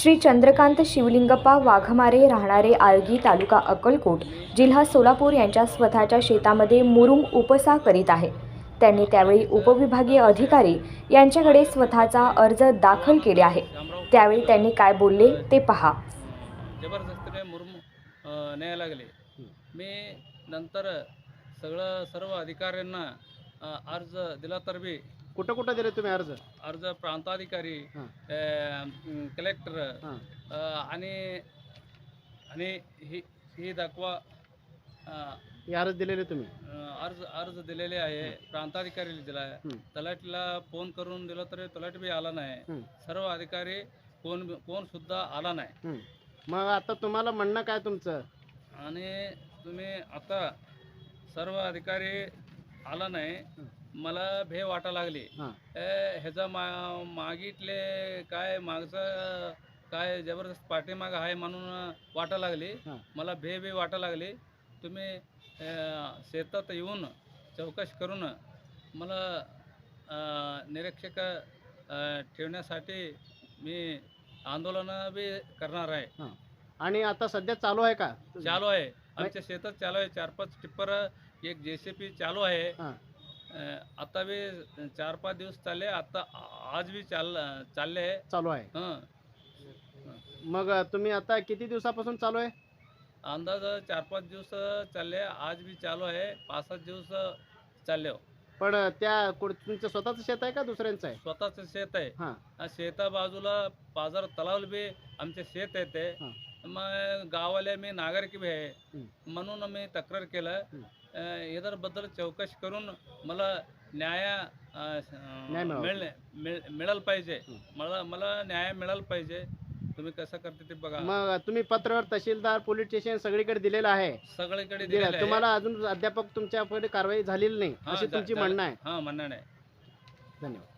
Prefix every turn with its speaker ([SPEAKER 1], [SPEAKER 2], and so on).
[SPEAKER 1] श्री चंद्रकांत शिवलिंगप्पा वाघमारे राहणारे आळगी तालुका अक्कलकोट जिल्हा सोलापूर यांच्या स्वतःच्या शेतामध्ये मुरुम उपसा करीत आहे। त्यांनी त्यावेळी उपविभागीय अधिकारी यांच्याकडे स्वतःचा अर्ज दाखल केले आहे। त्यावेळी त्यांनी काय बोलले ते पहा।
[SPEAKER 2] जबरदस्तीने मुरुम न्यायला लागले। मी नंतर सर्व अधिकाऱ्यांना अर्ज दिला तर बी
[SPEAKER 3] कुठं दिले तुम्ही अर्ज?
[SPEAKER 2] प्रांताधिकारी, कलेक्टर आणि ही दाखवा
[SPEAKER 3] अर्ज दिलेले तुम्ही
[SPEAKER 2] अर्ज दिलेले आहे। प्रांताधिकारीला दिला आहे, तलाठीला फोन करून दिला तरी तलाठी बी आला नाही। सर्व अधिकारी कोण सुद्धा आला नाही।
[SPEAKER 3] मग आता तुम्हाला म्हणणं काय तुमचं?
[SPEAKER 2] आणि तुम्ही आता सर्व अधिकारी आला नाही, मला भे वाटा लागली। ह्याचा मागितले काय मागचं काय जबरदस्त पाठीमाग आहे म्हणून वाटा लागली, मला भे वाटा लागली। तुम्ही शेतात येऊन चौकशी करून मला निरीक्षक ठेवण्यासाठी मी आंदोलन बी करणार आहे।
[SPEAKER 3] आणि आता सध्या चालू आहे का?
[SPEAKER 2] चालू आहे, आमच्या शेतात चालू आहे। 4-5 टिप्पर, एक JCB चालू आहे। आता बी 4-5 दिवस चालले, आता आज बी चालू आहे।
[SPEAKER 3] मग तुम्ही आता किती दिवसापासून चालू आहे?
[SPEAKER 2] अंदाज 4-5 दिवस चालले, आज बी चालू आहे, 5-7 दिवस चालले।
[SPEAKER 3] पण त्या तुमचं स्वतःचं शेत आहे का दुसऱ्यांचं आहे?
[SPEAKER 2] स्वतःचं शेत आहे। शेता बाजूला पाझर तलाव बी आमचे शेत येते। मग गावाले मी नागरिक बी आहे म्हणून मी तक्रार केलं। याबद्दल चौकशी करून मला न्याय मिळालं पाहिजे। मला न्याय मिळालं पाहिजे। तुम्ही कसं करते ते बघा।
[SPEAKER 3] मग तुम्ही पत्र तहसीलदार, पोलीस स्टेशन सगळीकडे दिलेलं आहे?
[SPEAKER 2] सगळीकडे दिलेलं आहे।
[SPEAKER 3] तुम्हाला अजून अद्याप तुमच्याकडे कारवाई झालेली नाही अशी तुमची म्हणणं आहे?
[SPEAKER 2] म्हणणं आहे।
[SPEAKER 3] धन्यवाद।